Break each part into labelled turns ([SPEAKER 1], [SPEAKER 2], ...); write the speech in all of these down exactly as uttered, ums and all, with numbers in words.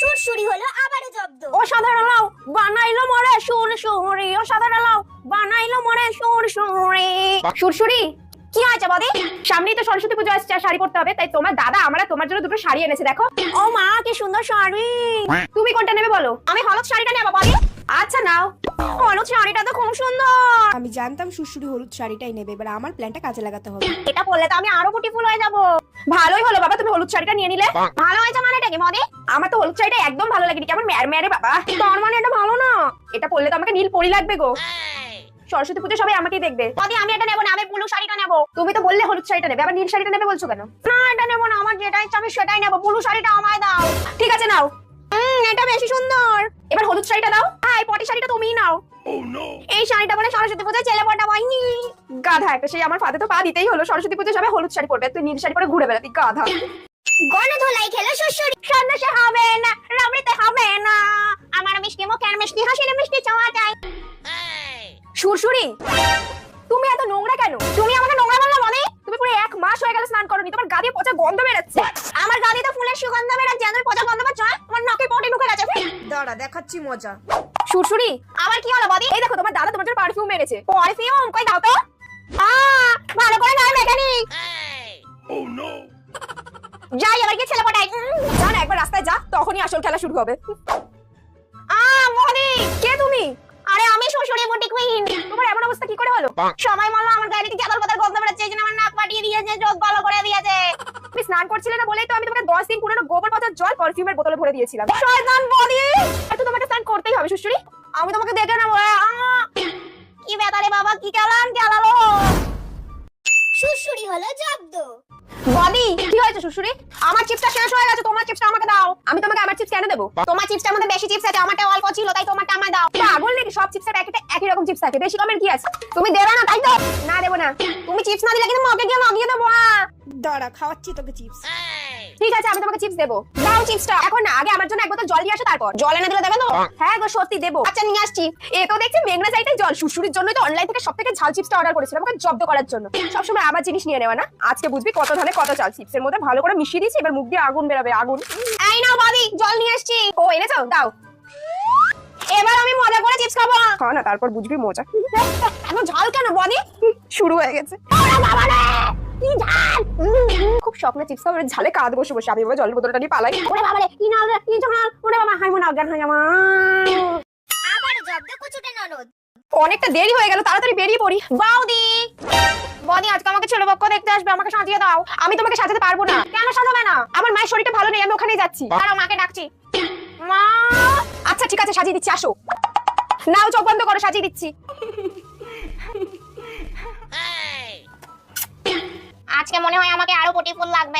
[SPEAKER 1] সুরসুরি হলো আবারও জব্দ।
[SPEAKER 2] অসাধারণ লাউ বানাইলো মরে সুরসুরি, অসাধারণ লাউ বানাইলো মরে সুরসুরি। সুরসুরি কি আছে বদি? সামনেই তো সরস্বতী পুজো আসছে, শাড়ি পরতে হবে, তাই তোমার দাদা আমরা তোমার জন্য দুটো শাড়ি এনেছে। দেখো। ও মা কি সুন্দর শাড়ি। তুমি কোনটা নেবে বলো? আমি হলুদ শাড়িটা নেব বদি। আচ্ছা নাও। হলুদ শাড়িটা তো খুব সুন্দর।
[SPEAKER 3] আমি জানতাম সুরসুরি হলুদ শাড়িটাই নেবে, এবার আমার প্ল্যানটা কাজে লাগাতে হবে।
[SPEAKER 2] এটা পরলে তো আমি আরো বিউটিফুল হয়ে যাব। ভালোই হলো বাবা তুমি হলুদ শাড়িটা নিয়ে নিলে। ভালো হয়েছে মানেটা কি মদি? আমার তো হলুদ শাড়িটা একদম ভালো লাগেনি, কেমন মেরে মেরে বাবা। তোর মানে এটা ভালো না। এটা পরলে তো আমাকে নীল পরি লাগবে গো। সরস্বতী পুজো সবাই আমাকেই দেখবে। মদি আমি এটা নেব না, আমি ব্লু শাড়িটা নেব। তুমি তো বললে হলুদ শাড়িটা নেবে, আবার নীল শাড়িটা নেবে বলছো কেন? না এটা নেব না, আমার যেটা ইচ্ছা আমি সেটাই নেব। ব্লু শাড়িটা আমায় দাও। ঠিক আছে নাও। হুম এটা বেশি সুন্দর। এবার হলুদ শাড়িটা দাও। হ্যাঁ এই পটি শাড়িটা তুমিই নাও। এই শাড়িটা বলে সরস্বতী পুজোয় ছেলে পড়া হয়। গাধা একটা, সেই আমার ফাতে তো পা দিতেই হলো। সরস্বতী পুজো সবাই হলুদ শাড়ি পরবে, তুই নীল শাড়ি পরে ঘুরে বেড়াবি গাধা।
[SPEAKER 1] গণধোলাই খেলো সুরসুরি।
[SPEAKER 2] সন্দেশে হবে না, রাবড়িতে হবে না, আমার মিষ্টি মুখের মিষ্টি হাসির মিষ্টি চাওয়া যায়। সুরসুরি তুমি এত নোংরা কেন? তুমি আমাকে নোংরা বললা মানে? তুমি পুরো এক মাস হয়ে গেল স্নান করোনি, তোমার গা দিয়ে পচা গন্ধ বেরোচ্ছে। আমার গা দিয়ে তো ফুলের সুগন্ধ বেরোচ্ছে, আমার পচা গন্ধ পাচ্ছ? তোমার নাকে পটি ঢুকে গেছে।
[SPEAKER 3] দাঁড়া দেখাচ্ছি মজা।
[SPEAKER 2] সুরসুরি আবার কি হলো বদি? এই দেখো তোমার দাদা তোমার জন্য পারফিউম মেরেছে। পারফিউম কই দাও তো। আ ভালো করে গায়ে মেকানিক। ও নো। যাই এবার কি ছেলে পটাই। যা না একবার রাস্তায় যা, তখনই আসল খেলা শুরু হবে। আ বদি কে তুমি? আরে আমি শ্বশুরের বুটি কুইন। তোমার এমন অবস্থা কি করে হলো? সময় মল্ল আমার গায়ে থেকে চাদর পাতার গন্ধ বেরোচ্ছে, এইজন্য আমার নাক পাঠিয়ে দিয়েছে, চোখ ভালো করে দিয়েছে। তুমি স্নান করছিলে না বলেই তো আমি তোমাকে দশ দিন পুরনো গোবর পচা জল পারফিউমের বোতলে ভরে দিয়েছিলাম। শয়তান বদি। এত তোমাকে স্নান করতেই হবে শ্বশুরি। আমি তোমাকে দেখে না বলে কি বেতারে বাবা কি কেলান কেলালো।
[SPEAKER 1] সুরসুরি হলো জব্দ।
[SPEAKER 2] বদি কি হয়েছে শ্বশুরি? আমার চিপসটা শেষ হয়ে গেছে, তোমার চিপসটা আমাকে দাও। আমি তোমাকে আমার চিপস কেন দেবো? তোমার চিপসটার মধ্যে বেশি চিপস আছে, আমারটা অল্প ছিল, তাই তোমারটা আমায় দাও। পাগল নাকি? সব চিপসের প্যাকেটে একই রকম চিপস থাকে, বেশি কমের কি আছে? তুমি দেবে না তাই তো? না দেবো না। তুমি চিপস না দিলে কিন্তু মগে গিয়ে লাগিয়ে দেবো।
[SPEAKER 3] দাঁড়া খাওয়াচ্ছি তোকে চিপস।
[SPEAKER 2] ঠিক আছে আমি তোমাকে চিপস দেবো। দাও চিপসটা। এখন না, আগে আমার জন্য এক বোতল জল দিয়ে আসো, তারপর জল এনে দিলে দেবে তো? হ্যাঁ গো সত্যি দেবো। আচ্ছা নিয়ে আসছি। এ তো দেখছি মেঘনা চাইতে জল। শ্বশুরির জন্যই তো অনলাইন থেকে সবথেকে ঝাল চিপসটা অর্ডার করেছিলাম, আমাকে জব্দ করার জন্য। সবসময় আমার জিনিস নিয়ে নেওয়া না। আজকে বুঝবি কত ধানে কত চাল। চিপসের মধ্যে ভালো করে মিশিয়ে দিয়েছি, এবার মুখ দিয়ে আগুন বেরাবে আগুন। এই নাও বাদি জল নিয়ে আসছি। ও এনেছো দাও। এবার আমি মজা করে চিপস খাবো। খা না তারপর বুঝবি মজা। এত ঝাল কেন বদি? শুরু হয়ে গেছে। ওরে বাবা রে কি ঝাল। খুব স্বপ্নে চিপস খাবার ঝালে কাঁদ বসে বসে আমি এবার জলের বোতলটা নিয়ে পালাই। ওরে বাবা রে কি ঝাল কি ঝাল। ওরে বাবা হাই মনে অজ্ঞান হয়ে যাওয়া।
[SPEAKER 1] আবারও জব্দ কুচুটে ননদ।
[SPEAKER 2] অনেকটা দেরি হয়ে গেল, তাড়াতাড়ি বেরিয়ে পড়ি। বাউদি বদি আজকে আমাকে ছেলে পক্ষ দেখতে আসবে, আমাকে সাজিয়ে দাও। আমি তোমাকে সাজাতে পারবো না। কেন সাজাবে না? আমার মায়ের শরীরটা ভালো নেই, আমি ওখানেই যাচ্ছি। দাঁড়াও মাকে ডাকছি। মা আচ্ছা ঠিক আছে সাজিয়ে দিচ্ছি, আসো। নাও চোখ বন্ধ করো, সাজিয়ে দিচ্ছি। আজকে মনে হয় আমাকে আরো বিউটিফুল লাগবে।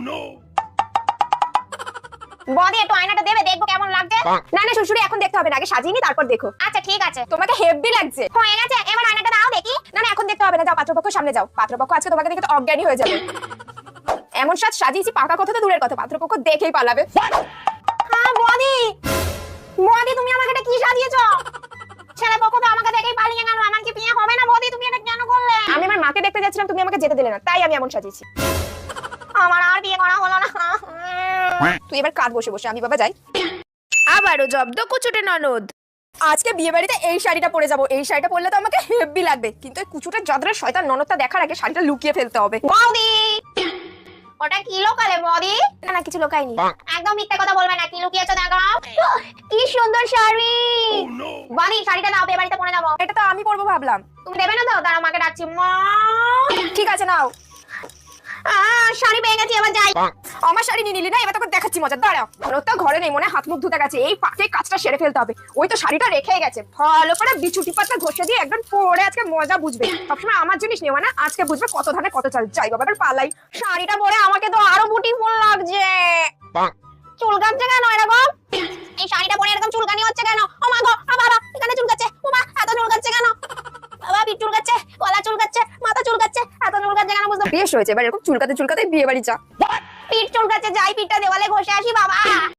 [SPEAKER 2] বদি একটু আয়নাটা দেবে, দেখবো কেমন লাগছে। না না শ্বশুরি এখন দেখতে হবে না, আগে সাজিয়ে নি তারপর দেখো। আচ্ছা ঠিক আছে। তোমাকে হেভি লাগছে। হয়ে গেছে, এবার আয়নাটা দাও দেখি। না না এখন দেখতে হবে না, যাও পাত্রপক্ষের সামনে যাও। পাত্রপক্ষ আজকে তোমাকে দেখে তো অজ্ঞানী হয়ে যাবে। এমন সাজ সাজিয়েছি পাকা কথা তো দূরের কথা, পাত্রপক্ষ দেখেই পালাবে। হ্যাঁ বদি বদি তুমি আমাকে এটা কি সাজিয়েছো? ছেলে পক্ষ তো আমাকে দেখেই পালিয়ে গেল, আমার কি বিয়ে হবে না? বদি তুমি এটা কেন করলে? আমি আমার মাকে দেখতে যাচ্ছিলাম, তুমি আমাকে যেতে দিলে না, তাই আমি এমন সাজিয়েছি। আমার আর বিয়ে করা হলো না। তুই এবার কাঁদ বসে বসে, আমি বাবা যাই।
[SPEAKER 3] আবারও জব্দ কুচুটে ননদ।
[SPEAKER 2] আজকে বিয়ে বাড়িতে এই শাড়িটা পরে যাবো। এই শাড়িটা পরলে তো আমাকে হেভি লাগবে, কিন্তু এই কুচুটা জাদরের শয়তান ননদটা দেখার আগে শাড়িটা লুকিয়ে ফেলতে হবে। বৌদি ওটা কি লোকালে বৌদি? না না কিছু লোকাইনি। একদম মিথ্যা কথা বলবে না, কি লুকিয়েছো দেখাও। কি সুন্দর শাড়ি। বৌদি শাড়িটা দাও, বিয়ে বাড়িতে পরে যাবো। এটা তো আমি পরবো ভাবলাম। তুমি দেবে না তো? দাঁড়াও মাকে ডাকছি। মা ঠিক আছে নাও। শাড়ি পেয়ে গেছি, এবার যাই। আমার শাড়ি নিয়ে নিলি না, এবার তোকে দেখাচ্ছি মজা। দাঁড়াও তো ঘরে নেই, মনে হাত মুখ ধুতে গেছে। এই ফাঁকে কাজটা সেরে ফেলতে হবে। ওই তো শাড়িটা রেখে গেছে, ভালো করে বিছুটি পাতা ঘষে দিয়ে একদম পরে আজকে মজা বুঝবে। সবসময় আমার জিনিস নেওয়া না, আজকে বুঝবে কত ধানে কত চাল। যাই বাবা এবার পালাই। শাড়িটা পরে আমাকে তো আরো বিউটিফুল লাগছে। চুলকাচ্ছে কেন এরকম? এই শাড়িটা পরে এরকম চুলকানি হচ্ছে কেন? ও মা গো বাবা এখানে চুলকাচ্ছে। ও মা এত চুলকাচ্ছে কেন? বাবা পিঠ চুলকাচ্ছে, গলা চুলকাচ্ছে, মাথা চুলকাচ্ছে, এত চুলকাচ্ছে কেন? বুঝতে বেশ হয়েছে, এবার এরকম চুলকাতে চুলকাতে বিয়ে বাড়ি যা। পিঠ চুলকাচ্ছে, যাই পিঠটা দেওয়ালে ঘষে আসি বাবা।